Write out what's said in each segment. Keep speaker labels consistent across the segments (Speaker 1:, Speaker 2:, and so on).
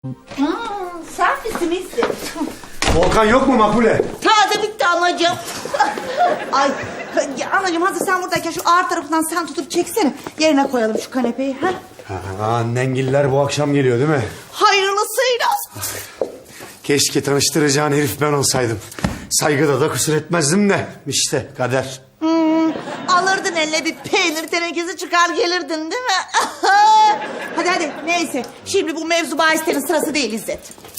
Speaker 1: Sen misin İzzet?
Speaker 2: Volkan yok mu Makbule?
Speaker 1: Taze bitti anacığım. Ay ya anacığım hazır sen buradayken şu ağır tarafından sen tutup çeksene. Yerine koyalım şu kanepeyi. Ha?
Speaker 2: Annengiller bu akşam geliyor değil mi?
Speaker 1: Hayırlısıyla.
Speaker 2: Keşke tanıştıracağın herif ben olsaydım. Saygıda da kusur etmezdim de. İşte kader.
Speaker 1: Alırdın eline bir peynir tenekesi çıkar gelirdin değil mi? hadi neyse. Şimdi bu mevzu bahislerin sırası değil İzzet.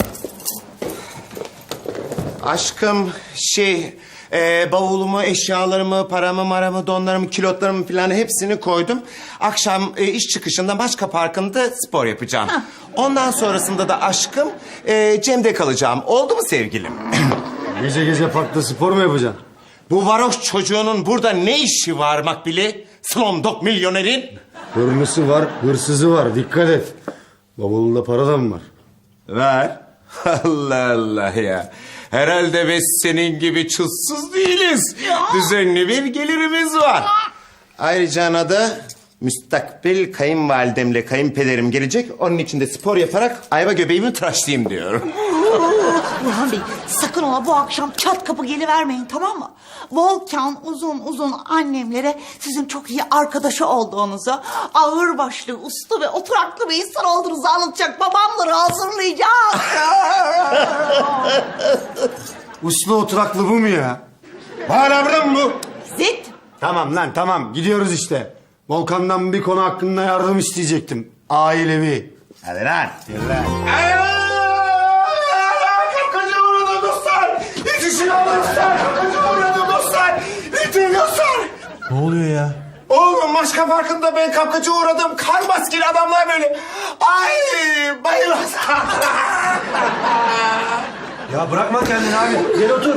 Speaker 3: Aşkım bavulumu, eşyalarımı, paramı, maramı, donlarımı, kilotlarımı falan hepsini koydum. Akşam iş çıkışında Maçka Parkı'nda spor yapacağım.
Speaker 1: Hah.
Speaker 3: Ondan sonrasında da aşkım Cem'de kalacağım. Oldu mu sevgilim?
Speaker 2: Gece gece parkta spor mu yapacaksın?
Speaker 3: Bu varoş çocuğunun burada ne işi var Makbili? Slumdog milyonerin.
Speaker 2: Hırlısı var, hırsızı var. Dikkat et. Bavulunda para da mı var?
Speaker 3: Ver. Allah Allah ya. Herhalde biz senin gibi çulsuz değiliz. Düzenli bir gelirimiz var. Ayrıca anada müstakbel kayınvalidemle kayınpederim gelecek. Onun için de spor yaparak ayva göbeğimi tıraşlayayım diyorum.
Speaker 1: Burhan Bey sakın ola bu akşam çat kapı gelivermeyin tamam mı? Volkan uzun annemlere sizin çok iyi arkadaşı olduğunuzu, ağırbaşlı, uslu ve oturaklı bir insan olduğunuzu anlatacak. Babamları hazırlayacak.
Speaker 2: Uslu oturaklı bu mu ya?
Speaker 3: Hala burada mı bu?
Speaker 1: Zit.
Speaker 2: Tamam lan tamam gidiyoruz işte. Volkan'dan bir konu hakkında yardım isteyecektim. Ailevi.
Speaker 3: Hadi lan. Kapkacı uğradı dostlar. Yetişin alın dostlar. Kapkacı uğradı dostlar. Yetişin dostlar.
Speaker 2: Ne oluyor ya?
Speaker 3: Oğlum Maçka Parkı'nda ben kapkacı uğradım. Kar maskeli adamlar böyle. Ay bayılmaz.
Speaker 2: Ya bırakma kendini abi. Gel otur.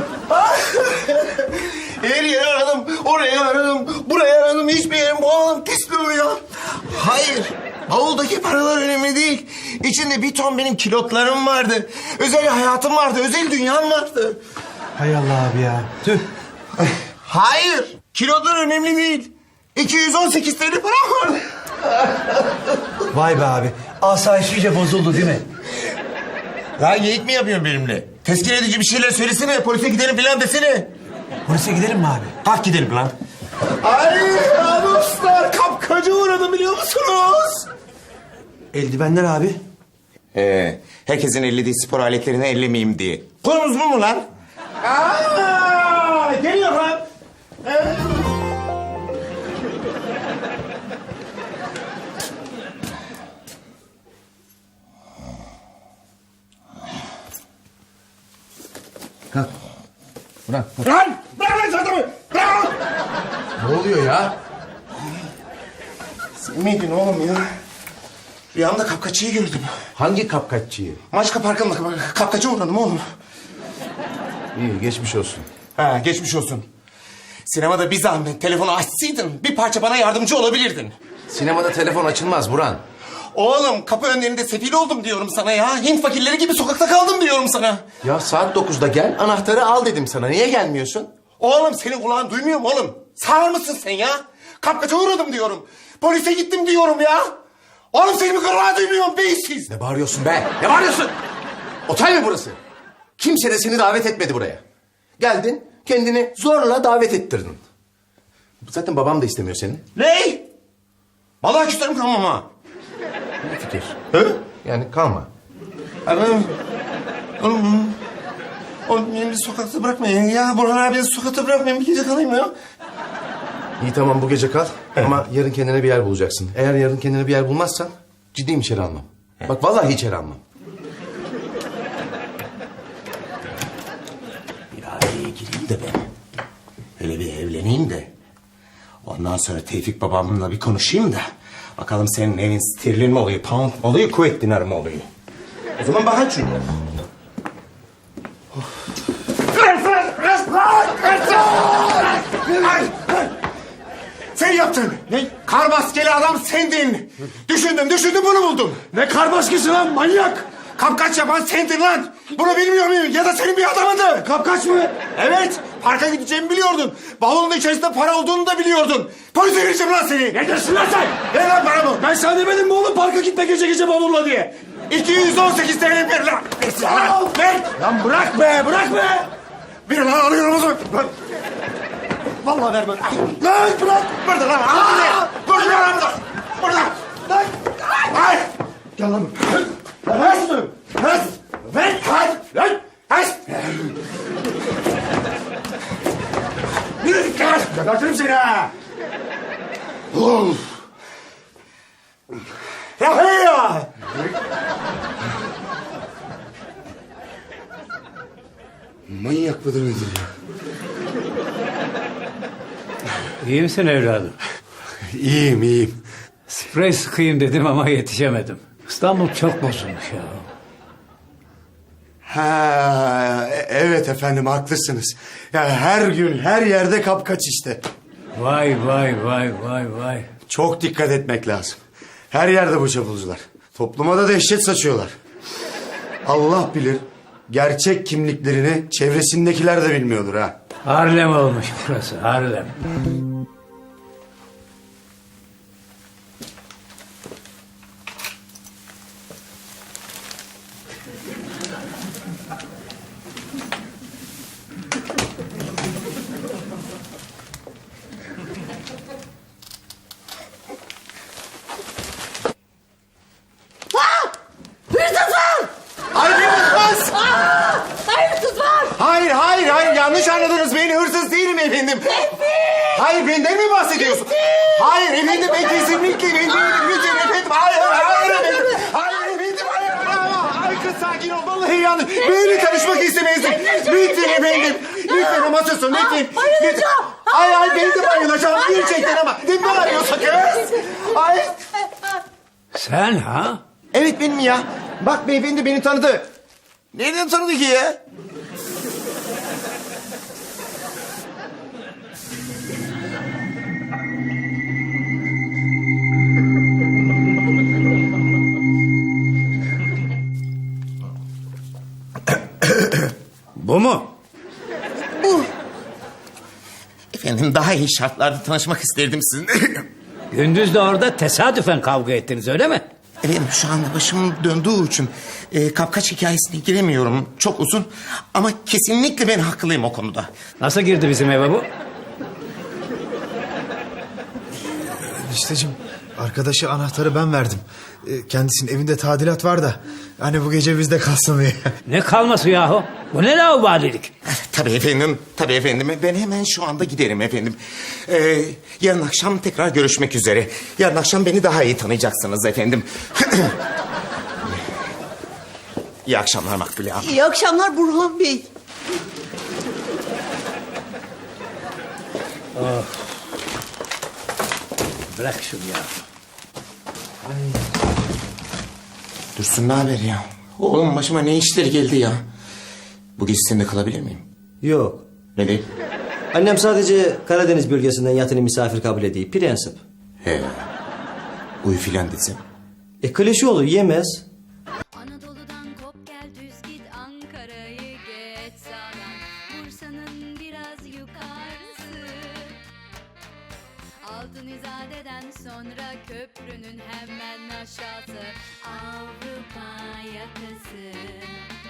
Speaker 3: Her yeri aradım. Orayı aradım. Burayı aradım. Hiçbir yerim bulamadım. Teslim ya. Hayır. Bavuldaki paralar önemli değil. İçinde bir ton benim kilotlarım vardı. Özel hayatım vardı. Özel dünyam vardı.
Speaker 4: Hay Allah abi ya. Tüh.
Speaker 3: Hayır. Kilotlar önemli değil. 218 TL param vardı.
Speaker 4: Vay be abi. Asayiş iyice bozuldu değil mi?
Speaker 3: Ya geyik mi yapıyorsun benimle? Teskin edici bir şeyler söylesene. Polise gidelim falan desene.
Speaker 4: Polise gidelim mi abi?
Speaker 3: Kalk gidelim lan. Ay dostlar kapkacı uğradım biliyor musunuz?
Speaker 4: Eldivenler abi.
Speaker 3: Herkesin ellediği spor aletlerini ellemeyeyim diye. Konumuz bu mu lan? Geliyor lan.
Speaker 4: Kalk. Bırak.
Speaker 3: Lan! Bırak lan çantamı! Bırak lan!
Speaker 4: Ne oluyor ya?
Speaker 3: Sen miydin oğlum ya? Rüyamda kapkaççıyı gördüm.
Speaker 4: Hangi kapkaççıyı?
Speaker 3: Maçka Parkı'nda kapkaçı uğradım oğlum.
Speaker 4: İyi geçmiş olsun.
Speaker 3: Ha, geçmiş olsun. Sinemada bir zahmet telefonu açsaydın bir parça bana yardımcı olabilirdin.
Speaker 4: Sinemada telefon açılmaz Burhan.
Speaker 3: Oğlum kapı önlerinde sefil oldum diyorum sana ya. Hint fakirleri gibi sokakta kaldım diyorum sana.
Speaker 4: Ya saat 9'da gel anahtarı al dedim sana. Niye gelmiyorsun?
Speaker 3: Oğlum senin kulağın duymuyor mu oğlum? Sağır mısın sen ya? Kapkaça uğradım diyorum. Polise gittim diyorum ya. Oğlum senin kulağın duymuyor mu beysiz?
Speaker 4: Ne bağırıyorsun be? Ne bağırıyorsun? Otel mi burası? Kimse de seni davet etmedi buraya. Geldin kendini zorla davet ettirdin. Zaten babam da istemiyor seni.
Speaker 3: Ne? Vallahi küserim kalmam ha.
Speaker 4: Ne fikir?
Speaker 3: He?
Speaker 4: Yani kalma.
Speaker 3: Oğlum beni bir sokakta bırakmayın ya. Burhan abi beni sokakta bırakmayın. Bir gece kalayım ya.
Speaker 4: İyi tamam bu gece kal ama yarın kendine bir yer bulacaksın. Eğer yarın kendine bir yer bulmazsan ciddiyim içeri almam. Bak vallahi içeri almam.
Speaker 3: Bir aileye gireyim de ben. Hele bir evleneyim de. Ondan sonra Tevfik babamla bir konuşayım da. Bakalım senin evin sterlin mi oluyor, pound mu oluyor, kuvvet dinarı mı oluyor? O zaman bakın şunu. Sen yaptın.
Speaker 2: Ne?
Speaker 3: Kar maskeli adam sendin. Düşündüm bunu buldum.
Speaker 2: Ne kar baskısı lan manyak?
Speaker 3: Kapkaç yapan sendin lan. Bunu bilmiyor muyum? Ya da senin bir adamındı.
Speaker 2: Kapkaç mı?
Speaker 3: Evet. Parka gideceğimi biliyordun. Bavulun içerisinde para olduğunu da biliyordun. Polise vereceğim lan seni.
Speaker 2: Ne diyorsun lan sen?
Speaker 3: Ver lan paramı.
Speaker 2: Ben sana demedim mi oğlum parka gitme gece gece bavulla diye?
Speaker 3: 218 TL ver lan. Ver.
Speaker 2: Lan bırak be, bırak be!
Speaker 3: Bir lan alıyorum o zaman. Lan.
Speaker 2: Vallahi vermem.
Speaker 3: Lan bırak. Burada lan. Burada lan. Burada. Lan. Ay.
Speaker 2: Gel lan.
Speaker 3: Ver şunu. Ver. Ver. Ver. Ver. Yürü gel.
Speaker 2: Gebertirim seni ha!
Speaker 3: Of. Ya hey ya.
Speaker 2: Manyak mıdır nedir ya?
Speaker 5: İyi misin evladım?
Speaker 2: İyiyim, iyiyim.
Speaker 5: Sprey sıkayım dedim ama yetişemedim. İstanbul çok bozulmuş ya.
Speaker 2: Ha, evet efendim haklısınız. Ya her gün her yerde kapkaç işte.
Speaker 5: Vay vay vay vay vay.
Speaker 2: Çok dikkat etmek lazım. Her yerde bu çapulcular. Topluma da dehşet saçıyorlar. Allah bilir gerçek kimliklerini çevresindekiler de bilmiyordur ha.
Speaker 5: Harlem olmuş burası, Harlem.
Speaker 3: Hayır hırsız.
Speaker 1: Hayırsız var.
Speaker 3: Hayır yanlış anladınız beni hırsız değilim efendim. Hayır benden mi bahsediyorsun? Hayır efendim ben kesinlikle ben değilim lütfen efendim. Hayır efendim. Hayır efendim Ay kız sakin ol vallahi yanlış. Benimle tanışmak istemezdim. Lütfen efendim. Lütfen ama susun lütfen.
Speaker 1: bayılacağım.
Speaker 3: Ay ben de bayılacağım gerçekten ama. Ne bağırıyorsun kız? Ay.
Speaker 5: Sen ha?
Speaker 3: Evet benim ya. Bak beyefendi beni tanıdı. Nereden tanıdı ki ya?
Speaker 5: Bu mu?
Speaker 3: Efendim daha iyi şartlarda tanışmak isterdim sizinle.
Speaker 5: Gündüz de orada tesadüfen kavga ettiniz öyle mi?
Speaker 3: Efendim şu anda başım döndüğü için kapkaç hikayesine giremiyorum. Çok uzun ama kesinlikle ben haklıyım o konuda.
Speaker 5: Nasıl girdi bizim eve bu?
Speaker 6: Enişteciğim, arkadaşa anahtarı ben verdim. Kendisinin evinde tadilat var da hani bu gece bizde kalsın diye.
Speaker 5: Ne kalması yahu? Bu ne laubalilik?
Speaker 3: Tabii efendim. Ben hemen şu anda giderim efendim. Yarın akşam tekrar görüşmek üzere. Yarın akşam beni daha iyi tanıyacaksınız efendim. İyi akşamlar Makbule Hanım.
Speaker 1: İyi akşamlar Burhan Bey.
Speaker 5: Bırak şunu ya.
Speaker 3: Dursun ne haber ya? Oğlum başıma ne işler geldi ya? Bu gece seninle kalabilir miyim?
Speaker 7: Yok.
Speaker 3: Ne değil?
Speaker 7: Annem sadece Karadeniz bölgesinden yatılı misafir kabul ediyor. Prensip.
Speaker 3: He. Uyu filan desem.
Speaker 7: Klişe olur yemez.
Speaker 8: Anadolu'dan kop gel düz git Ankara'yı geç sağdan Bursa'nın biraz yukarısı Altın İzade'den sonra köprünün hemen aşağısı Avrupa yakası